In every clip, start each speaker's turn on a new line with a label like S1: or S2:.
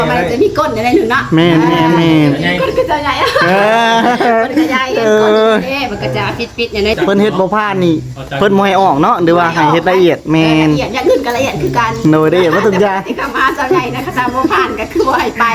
S1: มันจะมีก้นอะไรหนึ่งเนาะ
S2: แม่
S1: ก้นก็จะใหญ่มันก็ใหญ่ก้นมันก็จะปิดอย่างนี้
S2: เพิ่นเฮ็ดบ่ผ่านนี่เพิ่นบ่ให้ออกเนาะหรือว่าให้เฮ็ดละเอียดแม่น
S1: ละเอียดอย่างอื่นก็ละเอียดคือกัน
S2: โดยละเอียดบ่ทุกอย่าง
S1: ที่กมาเจ้าใหญ่นะคะตามบ่ผ่านก็คือบ่ให้ไป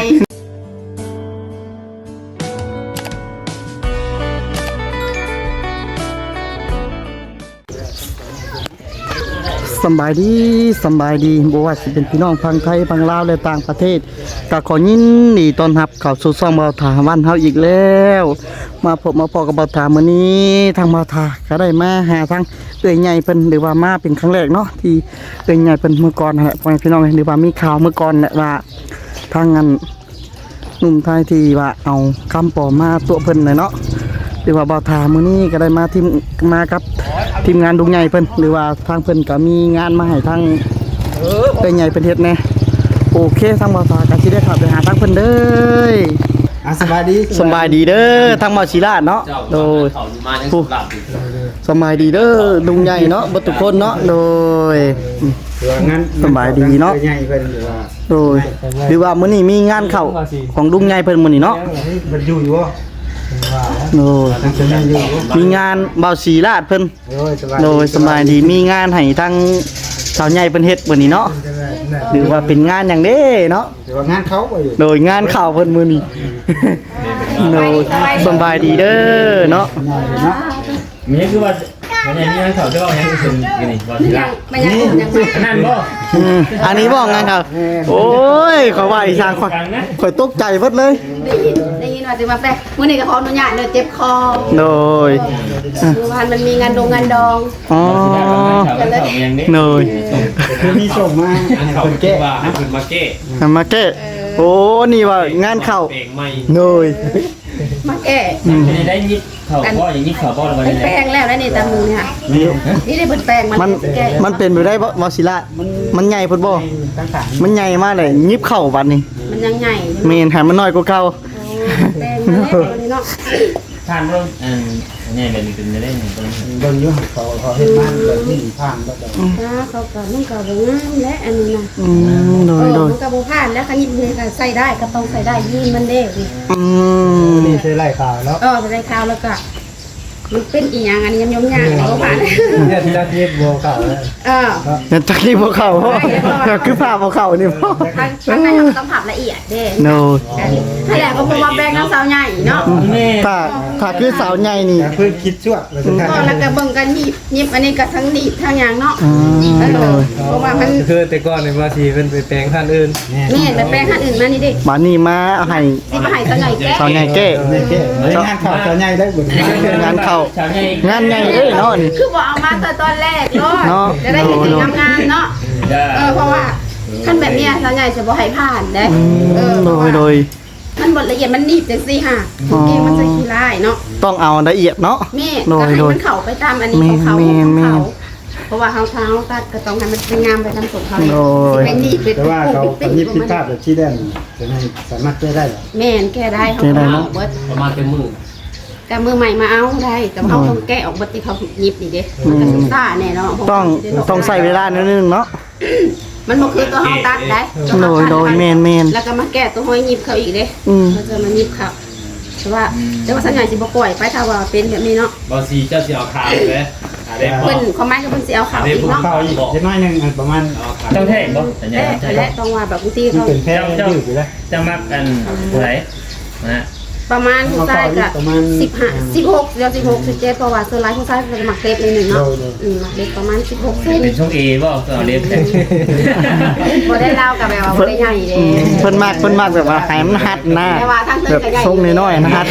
S2: สบายดีบ่ว่าสิเป็นพี่น้องฝั่งไทยฝั่งลาวและต่างประเทศก็ขอยินดีต้อนรับเข้าสู่ช่องเบาถาวันเฮาอีกแล้วมาพบมาพอกับเบาถามื้อนี้ทางเบาถาก็ได้มาหาทางเอื้อยใหญ่เพิ่นหรือว่ามาเป็นครั้งแรกเนาะที่เอื้อยใหญ่เพิ่นเมื่อก่อนนั่นแหละพ่อแม่พี่น้องหรือว่ามีข่าวเมื่อก่อนแหละว่าทางนั้นหนุ่มไทยที่ว่าเอาคำปลอมมาตัวเพิ่นน่ะเนาะหรือว่าเบาถามื้อนี้ก็ได้มากับทีมงานดุงใหญ่เพิ่นหรือว่าทางเพิ่นก็มีงานมาให้ทางเป็นใหญ่เป็นเฮ็ดแน่โอเคทางบ่าวสาก็สิได้เข้าไปหาทางเพิ่นเด้อสบายดีเด้อทางบ่าวศิลาเนาะโดยสบายดีเด้อดุงใหญ่เนาะบ่ทุกคนเนาะโดยสบายดีเนาะโดยหรือว่ามื้อนี้มีงานเข้าของดุงใหญ่เพิ่นมื้อนี้เนาะ
S3: มันอยู่บ่
S2: โอ้มีงานเบาสีลาดเพิ่นโดยสบายดีมีงานให้ทั้งสาวใหญ่เพิ่นเฮ็ดมื้อนี้เนาะหรือว่าเป็นงานหยังเด้เนาะ
S3: หรือว่างานเขาบ่อยู่
S2: โดยงานข่าวเพิ่นมื้อนี้โดยสบายดีเด้อเนาะ
S4: มีคือว่าวันนี้มีงานข่าวจะว่ายังถึงกันนี่ว่าสิล่ะนี่นั่นบ่
S2: อันนี้บ่งานข่าวโอ้ยขอว่าอีสานข่อยตกใจเบิดเลย
S1: ได้ยินว่าสิมาแปะมื้อนี้ก็ขออนุญาตเด้อเจ็บคอ
S2: โดย
S1: เมื่อวานมันมีงานดอง
S2: อ๋อโดย
S3: คือมีส่งมา
S4: คนแก้ว่าให้เพิ่นมาแก้
S2: โอ้นี่ว่างานข่าวโดย
S1: มาแก้
S4: ได้ยิบเขาบ่อย่างนี้เขาบ่แล้ววันนี้
S1: แป้งแล้วได้นี่ตามมือเนี่ยนี่ได้เปิดแป้ง
S2: มันเป็นไปได้บ่ศิลามันใหญ่พุ่นบ่มันใหญ่มากเลยยิบเข้าบัดนี้
S1: มันยังใหญ่
S2: แม่นให้มันน้อยกว่าเก่า
S1: แป้งมันเนาะ
S4: ทานร่มใหญ่แบบนี้เป็นได้นี่
S3: เบิ่งอยู่เขาเฮ็ดมาแบบนี้ผ่านบ่ได้
S1: เขาก็มันก็บ่งามและอันนี้นะ
S2: โดย
S1: มันก็บ่ผ่านแล้วคันยิบนี่ก็ใส่ได้ก็ต้องใส่ได้ยีนมันเด้
S3: นี่ใส่ไล่ข่าวแล้ว
S1: ใส่ไล่ข่าวแล้วก็มันเป็นอีหยังอันนี้ยำๆย่างบ่ผ่าน
S3: เนี่ยที่เฮ็ดบ่เข้าแล้ว
S2: เนี่ยจักรีบ่เข้าคือผ้าบ่เข้านี่บ่
S1: ข้างในต้องผับละเอียดเด้
S2: โน
S1: ถ้าแหละก็บ่ว่าแบ่งน้ำสาวใหญ่เนาะ
S2: ถ้าคือสาวใหญ่นี่
S3: เพิ่นคิดชั่ว
S1: แล้วก็เบิ่งกันหยิบอันนี้ก็ทั้งหนีบทั้งหยังเนาะเพราะว่ามัน
S3: คือแต่ก่อนนี่ว่าสิเพิ่นไปแปลงท่านอื่น
S1: นี่ไปแปลงท่านอื่นมานี่ดิ
S2: มานี่มาให้
S1: สาวใหญ่แก้
S2: สาวใหญ่แก้
S3: งานข่าวสาวใหญ่ได้บ่
S2: งานเข้างานใหญ่เด้เนาะนี่
S1: คือบ่เอามาตอนแรกเนาะจะได้เห็นงามๆเนาะเพราะว่าขั้นแบบเนี้ยสาวใหญ่จะบ่ให้ผ่านเด้
S2: โดย
S1: มันบดละเอียดมันหนีบจังซี่ค่ะเกมมันจะขี้ร้ายเนาะ
S2: ต้องเอาละเอียดเนาะ
S1: แม่ก็ให้มันเข้าไปตามอันนี้ของเขาเพราะว่าเขาตัดก็ต้องให้มันเป็นงามไปตามสมเขา
S3: เป็นนี่แต่ว่าเขายิบพิพาทแบบที่ได้จะให้สามารถแก้ได้
S1: แม่นแก้ได้เขา
S4: ประมาณเป็นมือ
S1: กับมือใหม่มาเอาได้แต่เขาต้องแก้ออกบัตรที่เขายิบนี่เด้มันจะซ่าแน่เนาะ
S2: ต้องใส่เวลานิดนึงเนาะ
S1: มันบ่คือตัวห้องตัดได้
S2: โดยแมน
S1: แล้วก็มาแก้ตัวห้อยยิบเขาอีกเด้เขาจะมายิบเขาแต่ว่าสัญญาณสิบ่ปล่อยไปถ้าว่าเป็นแบบนี้เนาะ
S4: บ่สิเจ้าสิเอาขาวเลย
S1: เพิ่นความหมายคือเพิ่นสิเอาขาวอีกเนาะ
S3: ขาวอีกนิดหน่อยนึงประมาณ
S4: ต้องแท่งบ่สัญญาณ
S1: และต้องว่าแบบบางทีเขา
S3: เป็นแพงยืดอยู่แล้ว
S4: จะมักกันไหนนะ
S1: ประมาณผู้ชายก็15 16เดี๋ยว16 17เพราะว่าส่วนหลายผู้ชายจะหมักเล็บนึงเนาะหมักเล็บประมาณ16เซน
S4: เป็นช่วง A บ่เอาเล็บ
S1: บ่ได้เล่ากับแบบว่าบ่ได้ใหญ่เด้
S2: เพิ่นมากแบบว่าให้มันหัดหน้าแบบทรงน้อยๆนะฮัด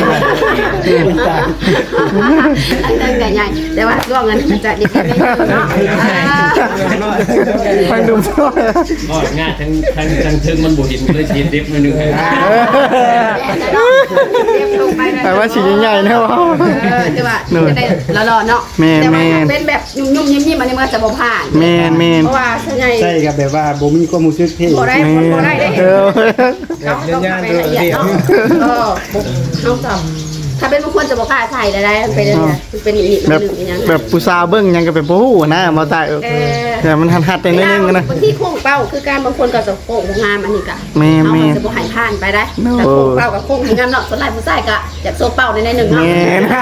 S1: อันนั้นใหญ่แต่ว่าช่วงนั้นจะเด็กๆไม่เนาะ
S2: ฟังดูบ่
S4: ง่ายทั้งถึงมันบ่เห็นเลยสิเล็บนึงให้
S2: แต่ว่าสีใหญ่ๆนะว่า
S1: จะว่าจะได้หล่อๆเนาะแต่ว่าเป็นแบบยุ่มๆยิ้มๆอันนี้มันจะบ่ผ่าน
S2: แม่น
S1: เพราะว่าใช่
S3: ใช่ครับแบบว่าบ่มีความรู้สึกที่
S1: บ่ได้ได้ต้องละเอียดเนาะต้องถ้าเป็นบางคนจะบอกกล้าใส่ได้เป็นอะไรเป็นหนีบ
S2: แบบ
S1: หนึ่งอย่าง
S2: แบบผู้สาวเบิ่งหยังก็เป็นบ่ฮู้นะมาตายแต่มันหัดๆได้นิดนึงนะ
S1: บางทีโค้งเป้าคือการบางคนก็จะโค้งงามอันนี้ก็
S2: แม่
S1: เขาจะบอกหายผ่านไปได้แต่โค้งเป้ากับโค้งงามเนาะส่วนหลายผู้ชายก็อยากโซ่เป้าในหนึ่งเนาะ
S2: แม่น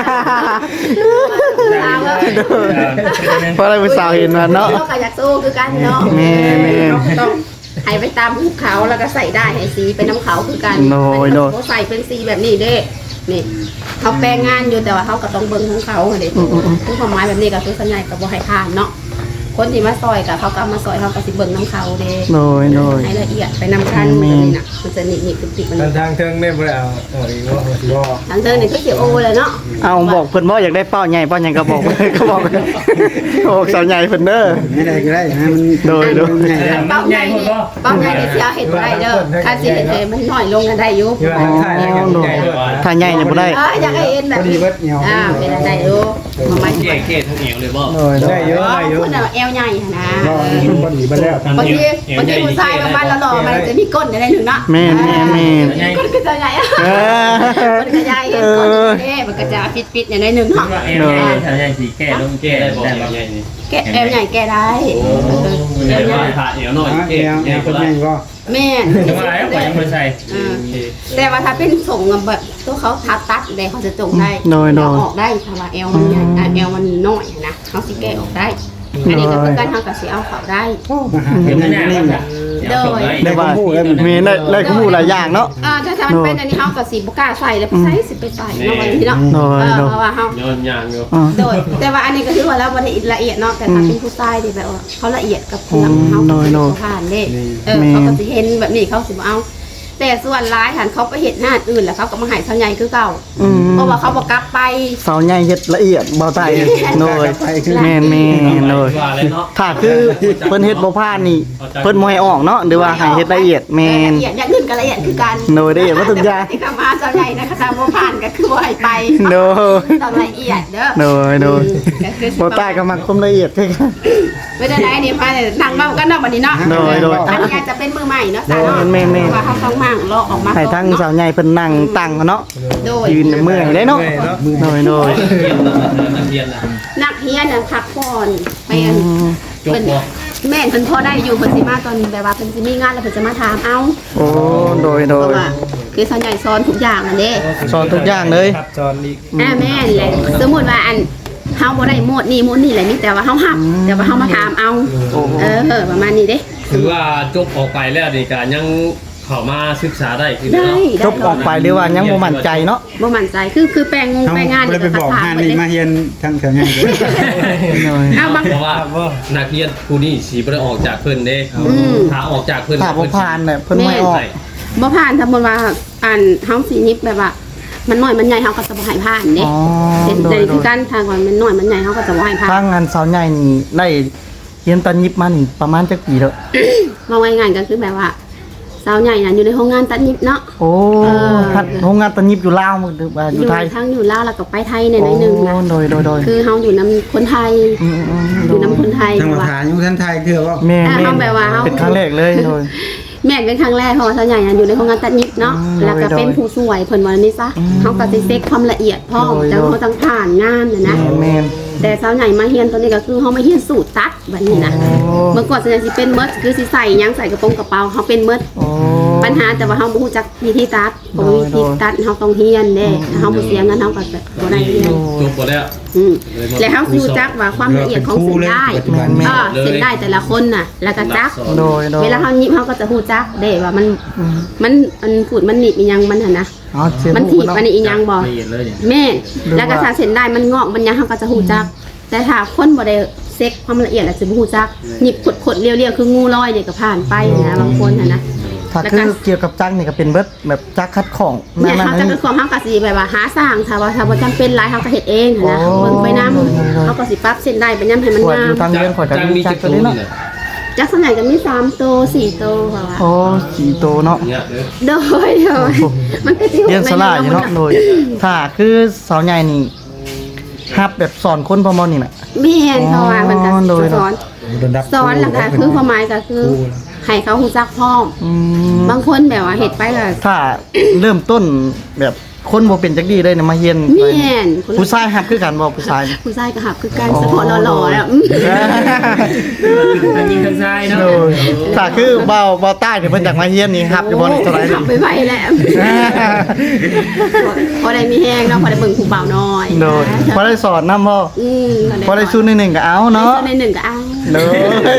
S2: เพราะอะไรผู้สาวเห็นว่าเนาะ
S1: ก็อยากโซ่คือกันเนาะ
S2: แม่น
S1: ต้องให้ไปตามภูเขาแล้วก็ใส่ได้ให้สีเป็นน้ำเขาคือกัน
S2: โน้ย
S1: เขาใส่เป็นสีแบบนี้เด้นี่เขาแปลงงานอยู่แต่ว่าเขาก็ต้องเบิ่งของเขาเด้คือความหมายแบบนี้ก็คือสัญญากับบ่ให้ผ่านเนาะคนที่มาซอยกับเขาก็มาซอยเขาก็สิเบิ่งน้ำเขาเด้
S2: โดย
S1: ให้ละเอียดไปนำกันนี่น่ะมันจะหนีบติดมัน
S3: ทางเทิงได้บ่ได้เอาอีกว่า
S1: ทางเดินนี่คือเขียวโอเลยเนาะ
S2: เอาบอกเพิ่นบ่อยากได้เป้าใหญ่เป้าใหญ่ก็บอก ก็บอกโอ้สาวใหญ่เพิ่นเด้อ
S3: ไม่ได้ก็ได้นะมัน
S2: โดย
S1: เป้าใหญ่นี่เป้าใหญ่นี่เสียเห็นบ่ได้เด้อถ้าสิเห็นมันน้อยลงกันได้อยู่
S3: ที่ว่าถ่ายได้กันใหญ่
S2: ถ้าใหญ่เนี่ยบ่ได้
S1: อยากให้เห็นแบบ
S3: พอดีเบิดเหนียว
S1: เป็นอะไรอยู่มาไม่
S4: แก่เกตทั้งเอวเลยบ่
S2: โดย
S3: ได้เยอะได้เยอะ
S1: คุณเอวใหญ่นะ
S3: ก็พอดีไปแล้ว
S1: บางทีผู้ชายประมาณหล่อมันจะมีก้นอะไรหนึ่งเนาะ
S2: แม่น
S1: ก้นก็จะใหญ่
S2: เออ
S1: ก้นก็ใหญ่ก้นนี่มันก็จะปิดๆอย่างในหนึ่งเนาะ
S4: เอวใหญ่ถ้าใหญ่สิแก่ลงแก่ได้บ่ใหญ่นี่
S1: แกเอวใหญ่แกได้
S4: ใหญ่น้อยผ่าเอวน้อย
S3: แน
S4: แก่
S3: ว
S4: ใหญ่
S3: ค
S4: ก็
S3: น
S4: ได้
S3: ใหญ่ก็
S1: แม่
S4: จะมาแล้วก็ยังบ่ใส่
S1: แต่ว่าถ้าเป็นส่งแบบตัวเขาทัดตัดได้เขาจะจงได้ออกได้ถ้าว่าเอวมันใหญ่เอวมันน้อยนะเขาสิแกออกได้อันนี้ก็คือการทำกับสีเอาเขาได้
S3: มาหา
S4: เห็
S3: เห็
S4: น
S3: น
S4: ไหม
S3: นิ่ง
S4: เนี่ย
S2: ได้ว่ามีได้ก็ฮู้หลายอย่างเนาะ
S1: ถ้ามันเป็นอันนี้เขากับสีบุก้าใส่แล้วใส่สิไปใส่เนาะวันนี้เนาะเพราะว่าเขา
S4: ย้อนยางอยู่
S1: โดยแต่ว่าอันนี้ก็ถือว่าแล้ววันนี้ละเอียดเนาะแต่ถ้าเป็นผู้ชายที่แบบว่าเขาละเอียดกับคนเขาผ่านเด้เขาก็จะเห็นแบบนี้เขาสิเอาแต่ส่วนร้ายหันเขาไปเห็นหน้าอื่นแล้วเขาก็มาหายเท่าใหญ่คือเก่าเพราะว่าเขาบอกกลับไป
S2: สาวใหญ่เฮ็ดละเอียดบ่ตายโดยแม่นโดย
S4: ว่าเลยเนาะ
S2: ถ้าคือเพิ่นเฮ็ดบ่ผ่านนี่เพิ่นบ่ให้ออกเนาะหรือว่าให้เฮ็ดละเอียดแม่น
S1: ละเอียดอย่างอื่นก็ละเอียดคือกัน
S2: โดยละเอียดว่าทุกอย่าง
S1: ที่คำว่าเท่าใหญ่นะคะถ้าบ่ผ่านก็คือบ่ให้ไป
S2: โดย
S1: ต้องละเอียดเด้อ
S2: โดยบ่ตายก็มักความละเอียดคือกัน
S1: ไม่ได้ไหนนี่มานั่งเมากันเนาะบัดนี้เนาะ
S2: โดย
S1: อันนี้อาจจะเป็นมือใหม่เนาะสาวเนาะ
S2: แม่น
S1: ว่าเขาต้องมั่งเลาะออกมา
S2: ให้ทั้งสาวใหญ่เพิ่นนั่งตั้งเนาะ
S1: โดย
S2: ยืนเมื่อยได้เนาะโดย
S4: เรียนนะ
S1: นักเรียนน่ะพักผ่อนไปอัน
S4: จบบ่
S1: แม่นเพิ่นพอได้อยู่เพิ่นสิมาตอนแบบว่าเพิ่นสิมีงานแล้วเพิ่นจะมาถามเอา
S2: โอ้โดย
S1: เพราะว่าคือส่วนใหญ่สอนทุกอย่างนั่นเด้
S2: สอนทุกอย่างเลย
S3: ครับจอนอีก
S1: แม่นเลยสมมุติว่าอันเฮาบ่ได้หมดนี่แหละมีแต่ว่าเฮาหับแต่ว่าเฮามาถามเอาประมาณนี้เด้
S5: คือว่าจบออกไปแล้วนี่ก็ยังเข้ามาศึกษาได้คือ
S1: ได้
S5: เนาะ
S2: จบออกไปหรือว่ายังบ่มั่นใจเนาะ
S1: บ่มั่นใจคือแปลงงแปลงงาน
S3: เลยไปบอกห้านี่มาเฮียนทางแถวนี้
S1: เอาบาง
S5: เพราะว่านักเรียนผู้นี้สิบ่ได้ออกจากเพิ่นเด้ถ้าออกจากเพิ่น
S2: ถ้าบ่ผ่านเนี่ยเพิ่นไม่ออก
S1: บ่ผ่านสมมุติว่าอันเฮาสินิบแบบว่า มันน้อยมันใหญ่เฮาก็จะบ่ให้ผ่านเด้
S2: อ๋อ
S1: เป็น
S2: โด
S1: ใจ
S2: ย
S1: คือกันทางก่อนมันน้อยมันใหญ่เฮาก็จะบ่ให้ผ่าน
S2: ทางงานสาวใหญ่นี่ได้เรียนตันยิบมานี่ประมาณจักปีแล้ว
S1: ว่าง่ายๆก็คือแบบว่าสาวใหญ่น่ะอยู่ในโรงงานตัดนิบเนาะ
S2: โอ้ฮัดโรงงานตันยิบอยู่ลาวหรือว่าอยู่ไทย
S1: ทั้งอยู่ลาวแล้วก็ไปไทยในหน่อยหนึงนะ
S2: โโดย
S1: คือเฮาอยู่นํคนไทยอยู่นํคนไทย
S3: ทางฐานยุท่านไทยคือว่า
S2: แม่
S1: เอาแบบว่า
S2: เป็นครั้งแรกเลยโดย
S1: แม่นเป็นครั้งแรกเพราะว่าสาวใหญ่น่ะอยู่ในโรงงานตัดนิบเนาะแล้วก็เป็นผู้สวยเพิ่นว่านี่ซะเฮาก็สิเช็คความละเอียดพร้อมแต่เฮาต้องผ่านงานน่ะนะ
S2: แม่น
S1: แต่สาวใหญ่มาเฮียนตัวนี้ก็คือเฮามาเฮียนสูตรตัดแบบนี้นะ เมื่อก่อนสาวใหญ่สิเป็นเมิดคือสิใส่หยังใส่กระโปรงกระเป๋าเฮาเป็นเมิด
S2: โอ้
S1: ปัญหาแต่ว่าเฮาบ่ฮู้จักวิธีตัดบ่มีวิธีตัดเฮาต้องเฮียนเด้เฮาบ่เสียเงินเฮาก็บ่ได้เรียน
S5: จบหมดแล้ว
S1: แล้วเฮาสิรู้จักว่าความละเอียดของเส้นได้เส้นได้แต่ละคนน่ะ แล้วก็จัก
S2: โดย
S1: เวลาเฮายิบเฮาก็จะฮู้จักเด้ว่ามันพูดมันหนีบอีหยังมันหั่นนะ
S2: อ๋อเสีย
S1: มันถีบอันนี้อีหยังบ่
S4: ละเอียดเลยเนี่ย
S1: แม่นแล้วก็ถ้าเส้นได้มันงอกมันหยังเฮาก็จะฮู้จัก แต่ถ้าคนบ่ได้เซ็กความละเอียดอาจจะบ่ฮู้จักหยิบขดๆเรียวๆคืองูลอยเนี่ยก็ผ่านไปนะบางคนน่ะนะ
S2: ถ้าคือเกี่ยวกับจักรนี่ก็เป็นเบิดแบบจักรคัดของ
S1: เนี่ยเขาจะเป็นความเขาก็สิแบบว่าหาสร้างถ้าว่าจำเป็นหลายเขาก็เฮ็ดเองนะเบิ่งไปนำเขาก็สิปรับเส้นได้ไปนำให้มัน
S2: ปวด
S1: งา
S2: อ
S1: ม
S2: ยู่ทางเรียนข่อยก็
S5: จัง
S2: มี
S5: มี
S2: จั
S5: จั
S2: ก
S5: ก
S2: ร
S5: ร
S2: ตัว
S5: ตัว
S2: นี้
S5: นี่
S2: เนาะ
S5: น่ะ
S1: จักส่วนใหญ่ก็มี3โต4โตว่าว่า
S2: โอ้สีโตเนาะ
S5: เนี่ยเด้อ
S1: โดยมันก็สิ
S2: เรียนสลาอยู่เนาะโดยถ้าคือสาวใหญ่นี่ฮับแบบสอนคนประมาณนี้น่ะ
S1: แม่นเพราะว่ามันก็
S2: โดย
S1: สอนแล้วก็คือความหมายก็คือให้เขาฮู้จักพร้อม
S2: อืม
S1: บางคนแบบว่าเฮ็ดไปก็
S2: ถ้าเริ่มต้นแบบคนบ่เป็นจักดีเลยนะมาเฮียน
S1: แม่นคนละ
S2: ผู้ชายฮับคือกันบ่ผู้ชาย
S1: ผู้ชายก็หับคือการสะพอหล่อๆแล้ว
S4: อันนี้คนชายเนาะ
S2: โดยถ้าคือเบาใต้เนี่ยเพิ่นอยากมาเฮียนนี่ฮับอยู่บ่นี่เท่าไหร่
S1: หับไปไวๆแล้วพอได้มีแห้งเนาะพอได้เบิ่งผู้บ่าวน้อย
S2: โดยพอได้สอนนำบ่ พอได้สู้ในหนึ่งก็เอาเนาะ
S1: ในหนึ่งก็เอา
S2: โดย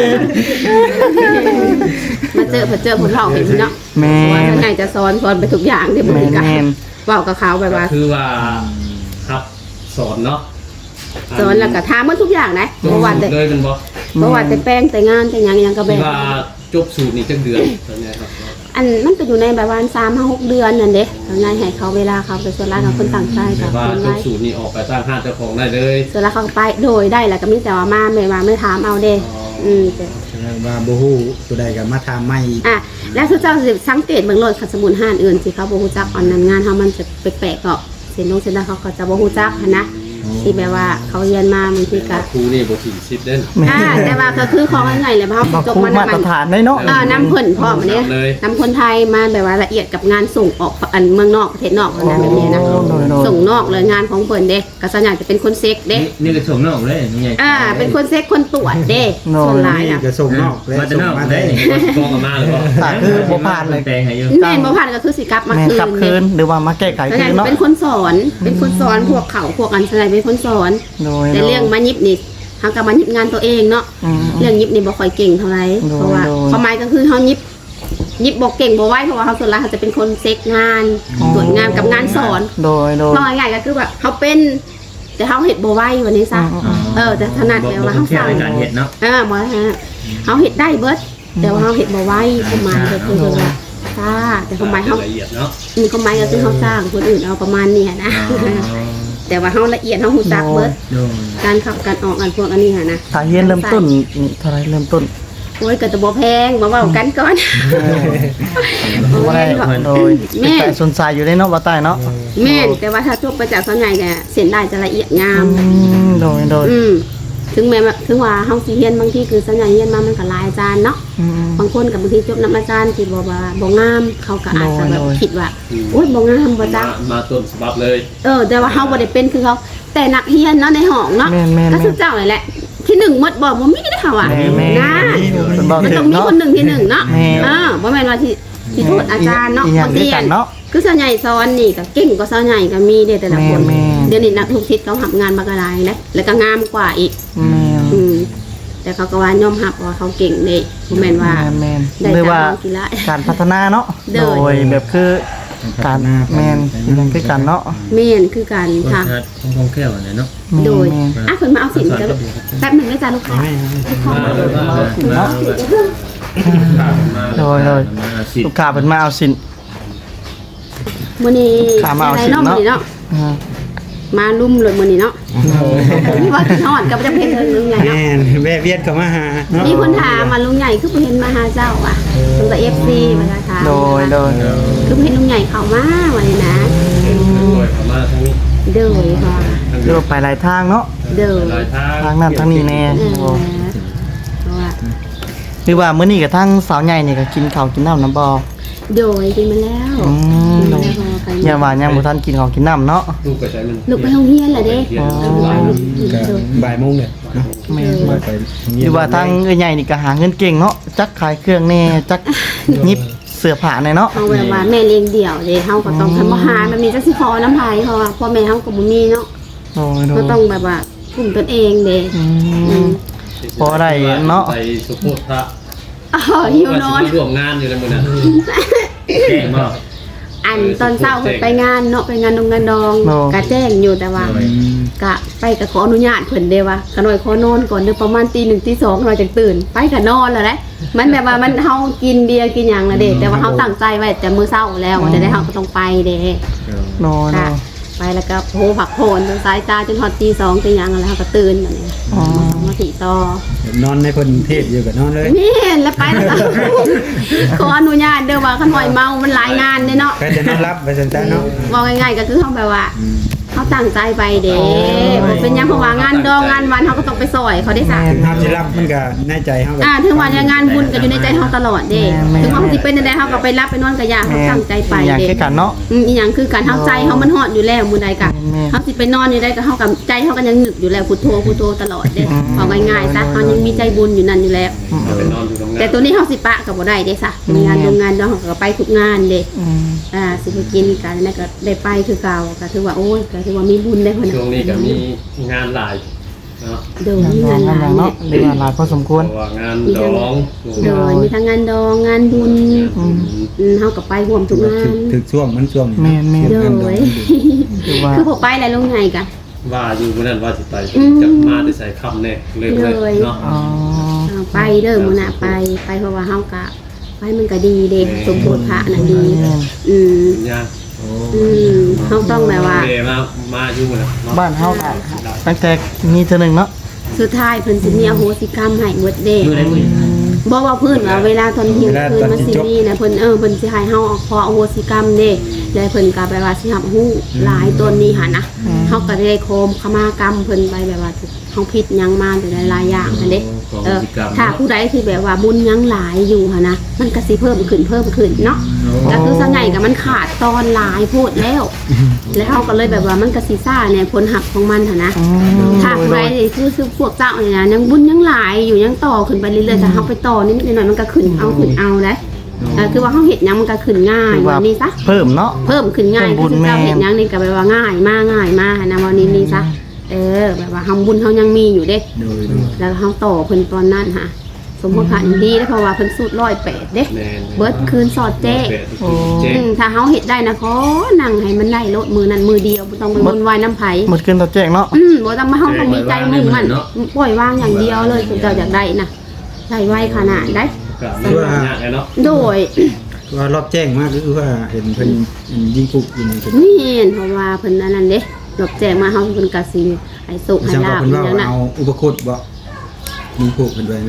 S1: มาเจอคนเราเห็นเนาะ
S2: แม่
S1: ว่าท่านไหนจะสอนไปทุกอย่างที่บริการ
S2: แม่น
S1: เว้ากับเขาแบบว่า
S5: คือว่าครับสอนเนาะ
S1: สอนแล้วก็ถามมันทุกอย่างนะเมื่อวานแต่
S5: เลยเป็นบ่
S1: เมื่อวานแต่แป้งแต่งานแต่หยังก็แบ
S5: ที่
S1: บ
S5: ว่าจบสูตรนี่จักเดือนตอนนี้ครับ
S1: อันมันก็อยู่ในแบบว่า3-6 เดือนนั่นเด้ทำงานให้เขาเวลาเขาไปส่วนร้านเขาคนต่างชาติ
S5: แต่
S1: กับ
S5: ว่า
S1: คน
S5: จ
S1: ไว้
S5: บสูตรนี่ออกไปตั้งห้างเจ้าของได้เลย
S1: ส่วนร้านเขาก็ไปโดยได้แหละก็มีแต่ว่ามาไม่ถามเอาเด้แต่
S3: แสดงว่าบ่ฮู้ตัวใดก็มาถามใหม่
S1: อ่ะแล้วทุกเจ้าสิสังเกตเบิ่งโลดขัดสมุนห้านอื่นสิเขาบ่ฮู้จักอันนั้นงานเฮามันจะแปลกๆก็เส้นเส้นเขาก็จะบ่ฮู้จักหันนะที่แบบว่าเขาเรียนมาบางทีก็
S5: ครูนี่บ่ถึง10เด้น
S1: แต่ว่าก็คือของง่ายๆเลยเพราะ
S2: บ่
S1: เขาจบ
S2: คู่
S1: มา
S2: มาตรฐานได้เนาะ
S1: น้ำเพิ่นพร้อมอันนี้น้ำคนไทยมาแบบว่าละเอียดกับงานส่งออกอันเมืองนอกประเทศนอกอะไรแบบนี้นะ
S2: โดย
S1: ส่งนอกเลยงานของเพิ่นเด้ก็ส่วนใหญ่จะเป็นคนเซ็กเด้
S4: นี่ก็ชมนอกเลยนี่ไง
S1: เป็นคนเซ็กคนตรวจเด้ส่วนหลาย
S3: นี่
S1: อ่ะ
S3: ก็ส่งนอกและ
S4: มาจะ
S3: ส่ง
S4: นอก
S3: มา
S4: ได้
S3: ได้
S4: นี่
S5: กองกันมาหรือเปล่า
S2: ถ้าคือบ่ผ่านเลย
S4: แปลงให้อยู่
S1: แม่นบ่ผ่านก็คือสิกลับมา
S2: แม่น
S1: คืน
S2: กลับคืนหรือว่ามาแก้ไข
S1: ส่วนให
S2: คื
S1: ญ่
S2: นเนาะ
S1: เป็นคนสอนพวกเขาพวกอันอะไรเป็นคนสอน
S2: โดย
S1: แต่เรื่องมายิบนี่เฮาก็มายิบงานตัวเองเนาะ
S2: อืม
S1: เรื่องยิบนี่บ่ค่อยเก่งเท่าไหร่
S2: โดย
S1: เพราะว่า
S2: โดย
S1: ความหมายก็คือเฮายิบบ่เก่งบ่ไหวเพราะว่าเฮาส่วนหลายเขาจะเป็นคนเซ็กงานตรวจงานกับงานสอน
S2: โดย
S1: ว่าง่ายๆก็คือแบบเขาเป็นแต่เขาเห็ดบ่ไหววันนี้ซะแต่ถนัดแล้วว่าเขา
S4: เที่ยว
S1: สั่ง
S4: ในการเห็ดเนาะ
S1: บ่ฮะเขาเห็ดได้เบิดแต่ว่าเขาเห็ดบ่ไหวประมาณก็คือว่าซ่าแต่ความหมายเขา
S5: ละเอียดเนาะ
S1: มีความหมายก็คือเขาสร้างคนอื่นเอาประมาณเนี้ยนะแต่ว่าเขาละเอียดเขาหูจักเบิด
S4: โดย
S1: การขับการออกกันพวกอันนี้นะ
S2: ถ้าเฮียนเริ่มต้นนี่เท่าไหรเริ่มต้น
S1: โอ้ยก็จะบ่แพงมาเว้ากันก่อน
S2: บ่ได้โดยเป็นแต่สนใจอยู่ได้เนาะบ่ใต้เนาะ
S1: แม่นแต่ว่าถ้าจบไปจากส่วนใหญ่เนี่ยเส้นได้จะละเอียดงาม
S2: โดย
S1: ถึงว่าเฮาสิเรียนบางทีคือสัญญาเรียนมามันก็หลายอาจารย์เนาะบางคนกับบางทีจบนำอาจารย์ที่บอกว่าบ่งามเขาก็อาจจะแบบคิดว่าโอ๊ยบ่งามบ่จัก
S5: มาต้นฉบับเลย
S1: แต่ว่าเฮาบ่ได้เป็นคือเขาแต่นักเรียนเนาะในห้องเนาะ
S2: แม่น
S1: ก็คือเจ้านั่นแหละที่1หมดบ่มีได้ค่ะว่ะ
S2: แม่
S1: นะ
S2: เป็นบ่
S1: มัน
S2: ถึ
S1: ต้อง งมี
S2: เนาะ
S1: คนหนึ่งที่1เนาะ
S2: แม่
S1: บ่แม่นว่าที่โทษอาจารย์เนาะ
S2: อีหยังด้วยกันเนาะ
S1: คือส่วนใหญ่สอนนี่ก็เก่งกว่าส่วนใหญ่ก็มีเด้แต่ละคน
S2: แม่
S1: เดี๋ยวนี้นักทุกทิศเขาทำงานมากระไรนะแล้วก็งามกว่าอีก
S2: แม่
S1: แต่เขาก็ว่ายอมรับว่าเขาเก่งเลยบ่แม่นว่า
S2: แม่น
S1: ได้
S2: หรือว่า
S1: ตามกีฬา
S2: การพัฒนาเนาะ
S1: โด
S2: โด
S1: ย
S2: ยแบบคือการแม่นอีหยังคือกันเนาะ
S1: แม่นคือกัน
S4: คน
S1: ค่ะ
S4: ชัดคงแค่วเนี่ยเนาะ
S1: โดย
S2: แม่น
S1: เพิ่นมาเอาสินกันแป๊บหนึงได้จ้าลูกค้า
S5: มาเลยมาเลย
S2: เนาะโดย
S4: มาสิ
S2: ลูกค้าเพิ่นมาเอาสิน
S1: มื้อนี้
S2: ขามาเอา
S1: อะไร
S2: สิน
S1: เนาะ
S2: เนาะ
S1: มื้อนี้เนาะ
S2: อ่า
S1: มาลุ่มเลยมื้อนี้เนาะมีว่ากินฮอดกับจะเพชรลุงใหญ่เนาะ
S3: แม่นแวะเวียนเข้ามาหาเนาะ
S1: มีคนถามมาลุงใหญ่คือบ่เห็นมาหาเจ้าอ่ะเพิ่นก็ FC มาถาม
S2: โดย
S1: คือบ่เห็นลุงใหญ่เข้ามาวันนี้นะ
S5: ด้วยเข้ามาทั้ง
S1: เด้อค่ะ
S2: เรียกว่าไปหลายทางเนาะ
S1: เด้อ
S5: หลายทาง
S2: ทางนั้นทางนี้แน่
S1: เพราะว่า
S2: หรือว่ามื้อนี้กับทางสาวใหญ่นี่ก็กินข้าวกินน้ำน้ำบ่
S1: โดยกินมาแล้ว
S2: โดยอย่าว่ายังบ่ทันกินข้าวกินน้ำเนาะ
S5: ลูกไปใช้มัน
S1: ลูกไปโรงเรียนเหรอเด้
S5: เรียน
S1: เอ
S5: หลาย
S1: อ
S3: ก็บ่ายโมงเนี่ยเนาะ
S2: แม่น
S3: บ่ายไป
S2: หรือว่าทางเอ้ยใหญ่นี่ก็หาเงินเก่งเนาะจักขายเครื่องแน่จักหยิบเสื้อผ้าแน่เนาะ
S1: เอาแบบว่าแม่เลี้ยงเดี่ยวเด้เฮาก็ต้องทำบ่หามันมีจักสิพอน้ำไผเพราะว่าพ่อแม่เฮาก็บ่มีเนาะ
S2: โดย
S1: ก็ต้องแบบว่ากลุ่มตนเองเด้
S2: พอได้เนาะ
S5: ไปสุโขทัย
S1: หิวนอน
S5: ร่วมงานอยู่ในมื้อนั้น
S4: แจ้งบ่
S1: อันตอนเช้าไปงานเนาะไปงานดงงานดองก็แจ้งอยู่แต่ว่า กะไปก็ขออนุญาตเพิ่นเด้ว่าขน่อยขอนอนก่อนเด้อประมาณตี 1ตี 2เราจังตื่นไปก็นอนแล้วแหละมันแบบว่ามันเฮากินเบียร์กินหยังละเด้แต่ว่าเฮาตั้งใจไว้แต่มื้อเช้าแล้วจะได้เฮาก็ต้องไปเด้
S2: โน
S1: ค่ะไปแล้วก็โหผักโผนจนสายตาจนฮอดตี 2ตีหยังแล้วเฮาก็ตื่นบัดนี้มาติต่อน
S3: อนในเพิ่นเทศอยู่ก็นอนเลย
S1: แม่นแล้วไปแล้วก็ขออนุญาตเด้อว่าขน่อยเมามันหลายงานเด้เนาะ
S3: ก็จะนอนรับไปซั่นๆเนาะ
S1: ว่าง่ายๆก็คือเฮาแบบว่าเขาตั้งใจไปเด้บ่เป็นหยังเพราะว่างานดองงานวันเขาก็ต้องไปซอยเขาได้ซะ
S3: เฮาสิรับมันก็ในใจเฮาก็
S1: ถึงวันงานบุญก็อยู่ในใจเขาตลอดเด้ถึงว่าเขาสิเป็นจังได๋เขาก็ไปรับไปนอนกับยาเขาตั้งใจไป
S2: อย่าง
S1: เด้
S2: คือกันเนาะ
S1: อีหยังคือการเฮาใจเฮามันฮอดอยู่แล้วมื้อใดก็
S2: แม่
S1: เฮาสิไปนอนอยู่ได้ก็เฮากับใจเฮาก็ยังนึกอยู่แล้วพุทโธพุทโธตลอดเด้เอาง่ายๆซะเฮายังมีใจบุญอยู่นั่นอยู่แล้ว
S5: ไปนอนอยู่ตรงนั้น
S1: แต่ตัวนี้เฮาสิปะก็บ่ได้เด้ซะงานโรงงานเฮาก็ไปทุกงานเด้สิไปกินกันนั่นก็ได้ไปคือเก่าก็ถือว่าโอ้ยก็ถือว่ามีบุญได้พุ่น
S5: ช่วงนี้ก็มีงานหลายเนาะ
S1: โดยมีงานหลาย
S2: เนาะเรียกว่าหลายพอสมควร
S5: เพราะว่างานดอง
S1: โดยมีทั้งงานดองงานบุญเฮาก็ไปร่วมทุกงาน
S3: ถึกช่วงมันช่วงนี้
S2: แม่น
S1: โดย
S2: คือว่า
S1: คือบ่ไปแล้วลงไงกะ
S5: ว่าอยู่มื้อนั้นว่าสิไปจะมาได้ใส่คำแน่เลยเนาะ
S2: อ๋อ
S1: ไปเด้อมื้อน่ะไปเพราะว่าเฮากะไปมันก็ดีเด้สมโภชพระน่ะดีอืม
S5: ย่าง
S1: เฮาต้องแบบว่า
S5: เดมาอยู่นะ
S2: บ้านเฮาก็ตั้งแต่มีเทื่อหนึงเนาะ
S1: สุดท้ายเพิ่นสิมีอโหสิกรรมให้หมดเด้
S4: อยู่ในมือ
S1: บ่ว่าเพิ่นว่าเวลาตอนเที่ยงคืนมันสิมีนะเพิ่นเพิ่นสิให้เฮาขออโหสิกรรมเด้แล้วเพิ่นก็แบบว่าสิรับรู้หลายตนนี้หั่นนะเฮาก็ได้โคมขมากรรมเพิ่นไปแบบว่าเฮาผิดหยังมาแต่หลายๆอย่างนั่นเด้ถ้าผู้ใดที่แบบว่าบุญยังหลายอยู่หั่นนะมันก็สิเพิ่มขึ้นเนาะก็คือส่วนใหญ่ก็มันขาดตอนหลายโพดแล้วแล้วเฮาก็เลยแบบว่ามันก็สิซ่าเนี่ยผลหักของมันหั่นนะ ถ้าใครคือพวกเจ้าเนี่ยนะยังบุญยังหลายอยู่ยังต่อขึ้นไปเรื่อยๆแต่เขาไปต่อนิดหน่อยมันก็ขึ้นเอาได้คือว่าเขาเห็ดยังมันก็ขึ้นง่ายวันนี้ซะ
S2: เพิ่มเนาะ
S1: เพิ่มขึ้นง่ายคือเจ้าเห็ดยังนี่ก็แบบว่าง่ายมากนะวันนี้นี่ซะแบบว่าทำบุญเขายังมีอยู่เด้แล้วเขาต่อเพิ่นตอนนั้นฮะสมมติผ่านดีแล้วเพราะว่าเพิ่นสูตร108เด้เบิดคืนสอดแจ้ถ้าเขาเห็ดได้นะขอนั่งให้มันได้ลดมือนั้นมือเดียวบ่ต้องไปวนวายน้ำไผ่
S2: หมดเกินต่อแจ้งเนาะ
S1: บ่ต้องมาเฮาต้องมีใจมุ่งมั่นปล่อยวางอย่างเดียวเลยคือเจ้าอยากได้นะใช้ไว้ขนาดได้
S5: ก็มียากเนาะ
S1: โดย
S3: ว่ารอบแจ้งมากคือว่าเห็นเพิ่นยิงกุกยิงเพิ่น
S1: นี่เห็นเพราะว่าเพิ่นอันนั้นเด้ดอกแจกมาเฮาเพิ่นก็สิให้สุขให้
S3: จัง
S1: ลา
S3: ว่า
S1: บ
S3: เพิ่น
S1: อย่างนั้น
S3: ว่า
S1: น่ะ
S3: เอาอุปคุตบ่ยิงกุกเพิ่นไว้เลย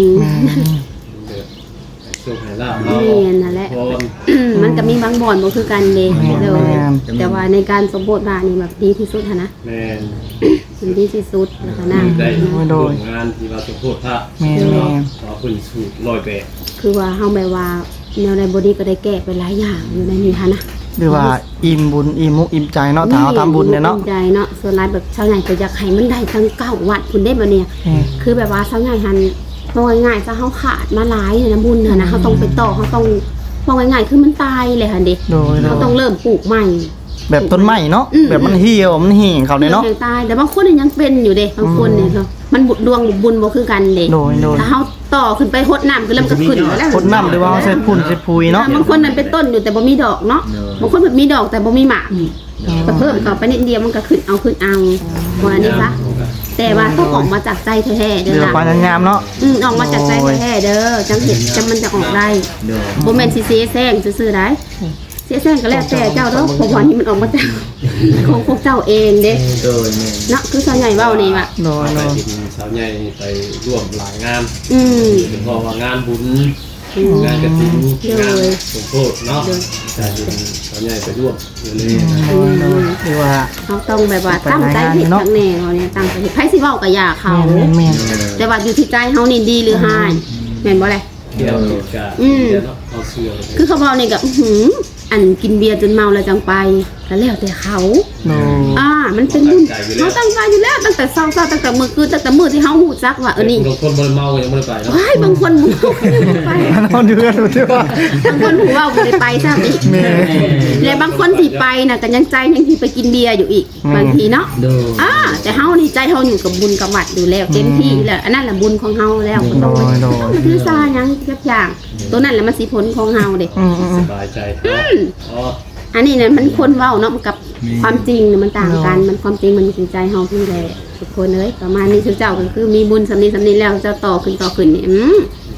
S5: ช่วงไหนล่ะ
S1: นี่นั่นแหละมันก็มีบางบ่อนบ่คือกันเด้เลยแต่ว่าในการสมโภชบานี่แบบดีที่สุดนะ
S5: แม่น
S1: มันดีที่สุดนะคะนะ
S5: ได้งานที่ว่าสมโภชพระ
S2: แม่น
S5: ขอคุณสูตร108
S1: คือว่าเฮาแบบว่าแนวในบอดี้ก็ได้แก้ไปหลายอย่างอยู่ในนี้ค่ะนะ
S2: หรือว่าอิ่มบุญอิ่มมุกอิ่มใจเนาะถ้าเราทำบุญเนี่ยเนาะ
S1: ใจเนาะส่วนหลายแบบชาวใหญ่ก็อยากให้มันได้ทั้ง9วัดคุณได้บ่เนี่ยคือแบบว่าชาวใหญ่หันมองง่ายๆซะเฮาขาดมาหลายเนี่ยนะบุญน่ะนะเฮาต้องไปต่อเฮาต้องมองง่ายๆคือมันตายเลยค่ะเด็ก
S2: โดย
S1: เฮาต้องเริ่มปลูกใหม่
S2: แบบต้นไม้เนาะแบบมันเหี่ยวมันแห้งเขาเนี่ยเนาะ
S1: ยังตายแต่บางคนยังเป็นอยู่เด้บางคนเนี่ยเขามันดวงบุญบ่คือกันเด้
S2: โดย
S1: ถ้าเฮาต่อขึ้นไปหดน้ำก็เริ่มก็ขึ้นแล้ว
S2: คนน้ำหรือว่าใส่พุ่นใส่ปุยเนาะ
S1: บางคนมันเป็นต้นอยู่แต่บ่มีดอกเนาะบางคนแบบมีดอกแต่บ่มีหมากก็เพิ่มเข้าไปนิดเดียวมันก็ขึ้นเอาว่านี่ซะแต่ว่าต้องออกมาจากใจแท้ๆเด้
S2: เดี๋
S1: อ
S2: ยว
S1: ล่ะ
S2: ปานงามเนาะ
S1: ออกมาจากใจแท้ๆเด้อจังเห็นจังมันจะออกได้บ่แม่นสิเสียแซงซื่อๆได้เสียแซงก็แล้วแต่เจ้าเด้อเพราะว่านี่มันออกมาจากของพวกเจ้าเองเด้
S4: โดยแม่
S1: เนาะคือส่วนใหญ่เว้านี่ว่า
S2: โดย
S5: ไป
S2: โดย
S5: กินสาวใหญ่ไปร่วมหลายงาน เพราะว่างานบุญงานกฐินงานสมโภชเนาะแต่สาวใหญ่ไปร่วมเลย
S2: หรือว่า
S1: เขาต้องแบบว่าตั้งใจเฮ็ดทั้งแน่เขาเนี่ยตั้งใจเฮ็ดไผสิเว้าก็อย่าเขา
S2: แม่น
S1: แต่ว่าอยู่ที่ใจเฮานี่ดีหรือหายแม่นบ่แหละ
S5: เที่ยวเหตุการณ์เนาะเอาเสื้อ
S1: คือเขาเว้านี่ก็อันกินเบียร์จนเมาแล้วจังไปก็แล้วแต่เขา
S2: โดย
S1: มันเป็นบุญเขาตั้งใจอยู่แล้วตั้งแต่เช้าตั้งแต่มื้อคืนตั้งแต่มื้อที่เฮาฮู้จักว่านี่
S5: บางคนบ่เมายังบ่ได้ไปเนาะ
S1: ว้ายบางคนบ่ไป
S2: นอนอยู่กันดูที่ว่า
S1: บางคนหูว่าบ่ได้ไปซะอีก
S2: แม่
S1: แล้วบางคนที่ไปน่ะก็ยังใจยังที่ไปกินเบียร์อยู่อีกบางทีเนาะ
S4: โดย
S1: แต่เฮานี่ใจเฮาอยู่กับบุญกับวัดอยู่แล้วเต็มที่แล้วอันนั้นแหละบุญของเฮาแล้วก็ต้องไปถือซาหยังทุกอย่างตัวนั้นแหละมันสิผลของเฮาเด้
S5: สบายใจอ๋อ
S1: อันนี้เนี่ยมันคนเว้าเนาะกับความจริงเนี่ยมันต่างกันมันความจริงมันอยู่ที่ใจเฮาพี่แหละทุกคนเอ้ยประมาณนี้เจ้าก็คือมีบุญสำนีแล้วเจ้าต่อขึ้นนี่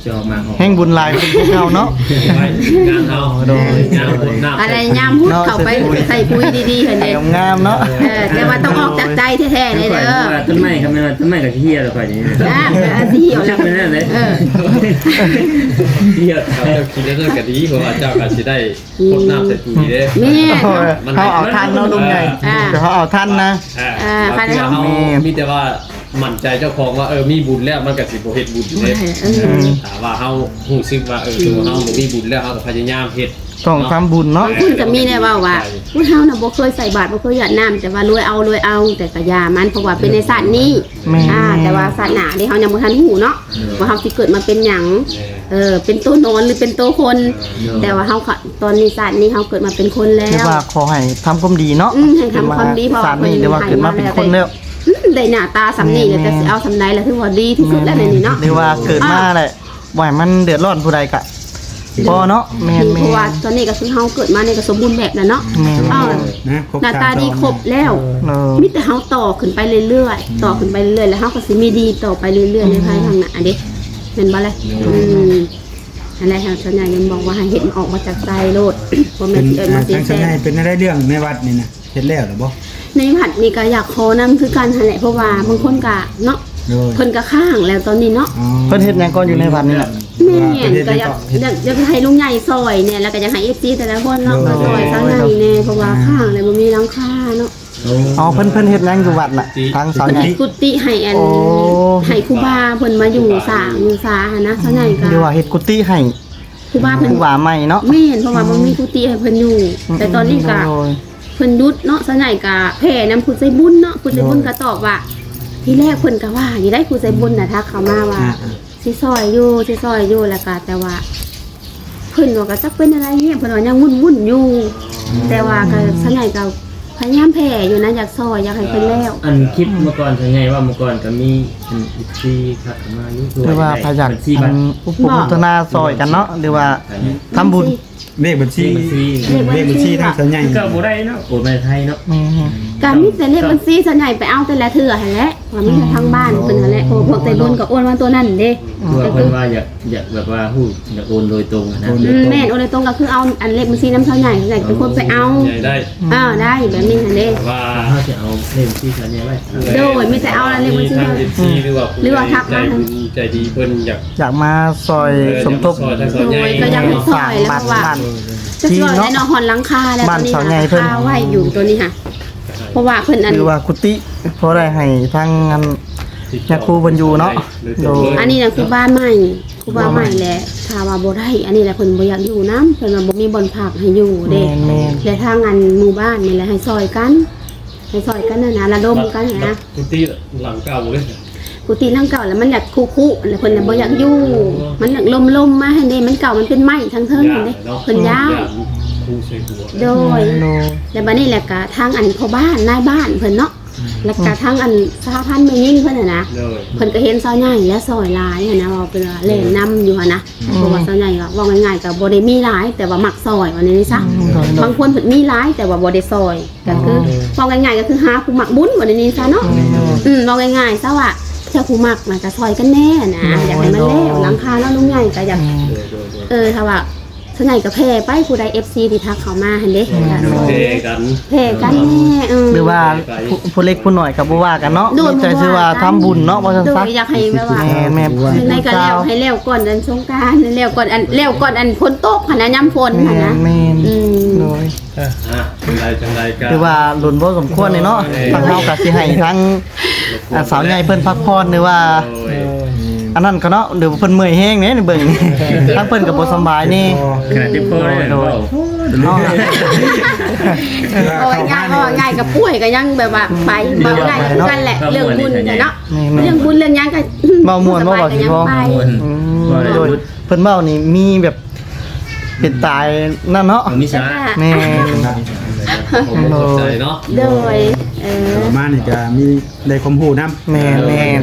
S4: จะออกมา
S2: แห่งบุญหลายเป็นพวกเฮาเนาะ
S5: ไว้งานเอางานบุญน้ำ
S1: อะไรยามพูดเข้าไปใส่ปุ๋ยดีๆเห็น
S2: ให้
S1: เด้
S2: งามๆเนาะ
S1: แต่ว่าต้องออกจากใจแท้ๆเลยเด้อ
S4: ต้นไม้ครับแม่ต้นไม้กับเฮียแล้วค่อยนี้
S1: สีเหี่ยวแล้ว
S4: เป็นนั่นเลย
S5: เที่ยวเขาจะคิดได้ก็ดีเพราะว่าเจ้าก็สิได้พดน้ำใส่ปุ๋ยเด้
S1: แม่
S2: เขาเอาทันเนาะลุงใหญ่เดี๋ยวเขาเอาทันนะ
S5: บางทีเขามีแต่ว่ามั่นใจเจ้าของว่ามีบุญแล้วมันก็สิบ่เฮ็ดบุญเด้ถามว่าเฮารู้สึกว่าตัวเฮาบ่มีบุญแล้วเฮาก็พยายามเฮ็ด
S2: ต้องทำบุญเนาะ
S1: คุณก็มีได้ว่าผู้เฮาน่ะบ่เคยใส่บาตรบ่เคยหยาดน้ำแต่ว่ารวยเอาแต่ก็ยามันเพราะว่าเป็นในศาสตร์นี้แต่ว่าศาสนาที่เฮายังบ่ทันฮู้เนาะว่าเฮาสิเกิดมาเป็นหยังเป็นตัวนอนหรือเป็นตัวคน แต่ว่าเฮาตอนนี้ศาสตร์นี้เฮาเกิดมาเป็นคนแล้
S2: คือ
S1: ว
S2: ว่าขอให้ทำความดีเนาะ
S1: ให้ทำความดีเพราะ
S2: ศาสตร์นี้เดี๋ยวว่าเกิดมาเป็นคนแล้ว
S1: ได้หน้าตาสำนีแล้วแต่สิเอาสำใดแล้วถือว่าดีที่สุดแล้วในนี้เนาะ
S2: เดี๋ยวว่าเกิดมาแหละบ่ให้มันเดือดร้อนผู้ใดกะพอเนาะแม่น
S1: เพราะว่าตอนนี้ก็คือเฮาเกิดมาในก็สมบูรณ์แบบแล้วเนาะ
S2: แม่น
S1: อ้าว
S3: นะครบ
S1: หน้าตาดีครบแล้ว
S2: เออ
S1: มิแต่เฮาต่อขึ้นไปเรื่อยๆต่อขึ้นไปเรื่อยๆแล้วเฮาก็สิมีดีต่อไปเรื่อยๆในภายภาคหน้าเด้แม่นบ่ล่ะอะไรทางส่วนใหญ่ยังบอกว่าให้เห็นออกมาจากใจโลดบ่แม่
S3: เป็น น
S1: มาสิ
S3: ทาง
S1: แซ่
S3: ชายเป็นอะไรเรื่องในวัดนี่นะเฮ็ดแล้วหรือบ่
S1: ในผัดนี่ก็อยากขอนำคือกันหั่นแหละเพราะว่าบางคนก็เนาะ
S3: โดย
S1: เพิ่นก็ข้างแล้วตอนนี้เนาะ
S2: เพิ่นเฮ็ดหยังก่อนอยู่ในวัดนี่แหละ
S1: แม่นก็อยากให้ลุงใหญ่ซอยเนี่ยแล้วก็อยากให้ FC แต่ละคนเนาะก็ซอยซะใหญ่แน่เพราะว่าข้างแล้วบ่มีหลังคาเนาะ
S2: อ๋อเพิ่นเฮ็ดหยังอยู่วัดน่ะทางสาว
S1: เพิ่น
S2: ใหญ่
S1: ให้กุฏิให้อัน
S2: โอ้
S1: ให้ครูบาเพิ่นมาอยู่สร้างอยู่ซาหั่นนะซะใหญ่ก็
S2: เดี๋ยวว่าเฮ็ดกุฏิให้
S1: ครูบาเพิ่น
S2: ผู้ว่าใหม่เนาะ
S1: แม่นเพราะว่าบ่มีกุฏิให้เพิ่นอยู่แต่ตอนนี้ก็
S2: โอ้ย
S1: เพิ่นยุดเนาะซะใหญ่ก็แผ่นำผู้ใจบุญเนาะผู้ใจบุญก็ตอบว่าที่แรกเพิ่นก็ว่าอยู่ได้ผู้ใจบุญน่ะทักเข้ามาว่าสิซอยอยู่แล้วก็แต่ว่าเพิ่นว่าก็จักเป็นอะไรเนี่ยเพิ่นว่ายังวุ่นๆอยู่ แต่ว่าก็ซะใหญ่ก็พยายามแผ่อยู่นะอยากซอยอยากให้เพิ่นแล้ว
S4: อันคลิปเมื่อก่อนเป็นไงว่าเมื่อก่อนก็มีอีกที่ทักมาอยู่ด้วย
S2: หรือว่าพยัก
S4: ที่บัตร
S2: อุปโภคนาซอยกันเนาะหรือว่าทำบุญ
S3: เลขบัญชีเลขบัญชีทางชายใหญ่
S4: ก็บ่ได้เนาะโอ้ในไทยเนาะ
S1: ก็มีแต่เลขบัญชีส่วนใหญ่ไปเอาแต่ละเถื่อหั่นแหละว่ามีแต่ทางบ้านเพิ่นหั่นแหละเพราะพวกใจบุญก็โอนมาตัวนั้นเด้
S4: ตัวเพิ่นว่าอยากแบบว่าฮู้อยากโอนโดยตรงนะ
S1: แม่นโอนเลยตรงก็คือเอาอันเลขบัญชีน้ำเท่าใหญ่เป็นคนไปเอา
S5: ใหญ่ได้
S1: ได้แบบนี้หั่นเด้
S5: ว่า
S4: เขาจะเอาเล่มที่สัญญาไว้
S1: โดยมีแต่เอาแล้วเลขบัญชี
S5: ทางFC หรือว่าใจบุญใจดีเพิ่นอยาก
S2: อยากมาซอยสมทบ
S5: ซอยทางซอยใหญ่
S1: ก็อยากให้ซอยแล้วเพราะว่าจะซอยได้เนาะหอนหลังคาแล้วตอนนี้คาไว้อยู่ตัวนี้ค่ะเพราะว่าเพิ่นอัน
S2: หรือว่ากุฏิเพราะได้ให้ทางงานยาคูบรรยูเนาะโดย
S1: อันนี้น่ะคือบ้านใหม่คือบ้านใหม่แหละถ้าว่าบ่ได้อันนี้แหละเพิ่นบ่อยากอยู่นำเพิ่นว่าบ่มีบ่อนพักให้อยู่เด้
S2: แม่น
S1: และทางอันหมู่บ้านนี่แหละให้ซอยกันนะระดมกันนะ
S5: ทุกที่หลังเก่าเลย
S1: กุฏิหลังเก่าแล้วมันอยากคุแล้วเพิ่นน่ะบ่อยากอยู่มันอยากลมมาให้เด้มันเก่ามันเป็นไม้ทั้งเทิงนั่นเด้เพิ่นย้าย
S5: คู่ใส่หัว
S1: โดย
S2: โดย
S1: แล้วบัดนี้แหละก็ทางอันพ่อบ้านนายบ้านเพิ่นเนาะแล้วก็ทางอันสหพันธ์แม่ยิ่งเพิ่นน่ะนะ
S5: เลย
S1: เพิ่นก็เห็นซอยใหญ่และซอยหลายหันนะว่าเป็นว่าเล่นนํอยู่หั่นนะเพราะว่าซอยใหญ่ก็ว่าง่ายๆก็บ่ได้มีหลายแต่ว่ามักซอยว่านี้ซะบางคนเพิ่นมีหลายแต่ว่าบ่ได้ซอยก็คือว่าง่ายๆก็คือหาผู้มักบุญว่านี้ซะเนาะว่าง่ายๆซะว่าเจ้าผู้มักมันก็ซอยกันแน่นะอยากให้มันแล้วหลังคาเนาะลุงใหญ่ก็อยากถ้าว่าส่วนใหญ่ก็แพ้ไปผู้ใด FC ที่ทักเข้ามาหั่นเด้
S5: เทกัน
S1: แพ้กันแน่
S2: หรือว่าผู้เล็กผู้น้อยกับผู้ว่ากันเนาะมีใจชื่อว่าทำบุญเนาะว่าซั่น
S1: โด
S2: ซะ
S1: ยอยากให้แบบว่า
S2: แม่ผู้
S1: ในก็แล้วให้แล้วก่อนอันสงกรานต์แล้วก่อนอันฝนตกหั่นนะยามฝนหั่นนะ
S2: แม่โดย
S5: จังไรกัน
S2: คือว่าหลุนบ่สมควรเลยเนาะทางเฮาก็สิให้ทั้งสาวใหญ่เพิ่นพักผ่อนหรือว่าอันนั้นก็เนาะหรือเพิ่นเมื่อยแห้งเนี่ยเบิ่งทั้งเพิ่นก็บ่สบายนี่
S4: ขนาดที่พ่อเลยเนาะ
S2: เนาะ
S1: โอ้ยง่ายกับป่วยก็ยังแบบว่าไปเบาง่ายกันแหละเรื่องบุญเนาะเรื่องบุญเรื่องยังก็
S2: เว้าม่วนบ่ว่าสิพอโดยเพิ่นเว้านี่มีแบบเป็นตายนั่นเนาะ
S4: มีสาระ
S2: แม่
S5: ผมสนใจเนาะ
S1: โดย
S3: ประมาณนี่ก็มีได้ความรู้นำ
S2: แม่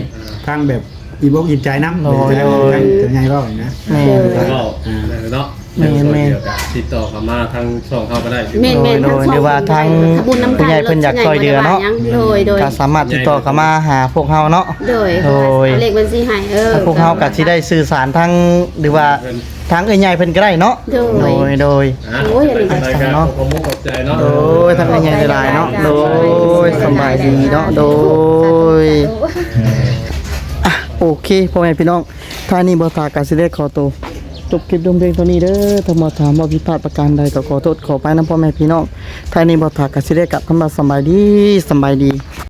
S3: ทางแบบอีบกอิ่มใจนำทางชายใหญ่ว่าอย่างนะ
S2: แม่
S5: ก็เนาะ
S2: แม่นแม่น
S5: เดี๋ยวก็ติดต่อเข้ามาทางช่องเขาก็ได้
S1: แม่น
S2: โดยหรือว่าทางผู้ใหญ่เพิ่นอยากช่วยเหลือเนาะ
S1: โดย
S2: ก็สามารถติดต่อเข้ามาหาพวกเฮาเนาะ
S1: โดย
S2: โดย
S1: เลขบัญชีให้
S2: ถ้าพวกเฮาก็สิได้สื่อสารทางหรือว่าทางเอ้ยใหญ่เพิ่นก็ได้เนาะ
S1: โดย
S2: โดย
S1: โอ้ยอันนี้
S5: รายการขอบคุณขอบใจเนาะ
S2: โดยทางเอ้ยใหญ่หลายๆเนาะโดยสำบายดีเนาะโดยอ่ะโอเคพ่อแม่พี่น้องท่านี้บ่ตาก็สิได้ขอตัวจบคลิปดมเพลงตัวนี้เด้อถ้ามาถามว่าผิดพลาดประการใดก็ขอโทษขอไปนำพ่อแม่พี่น้องท่านี้บ่ตาก็สิได้กลับคำว่าสำบายดี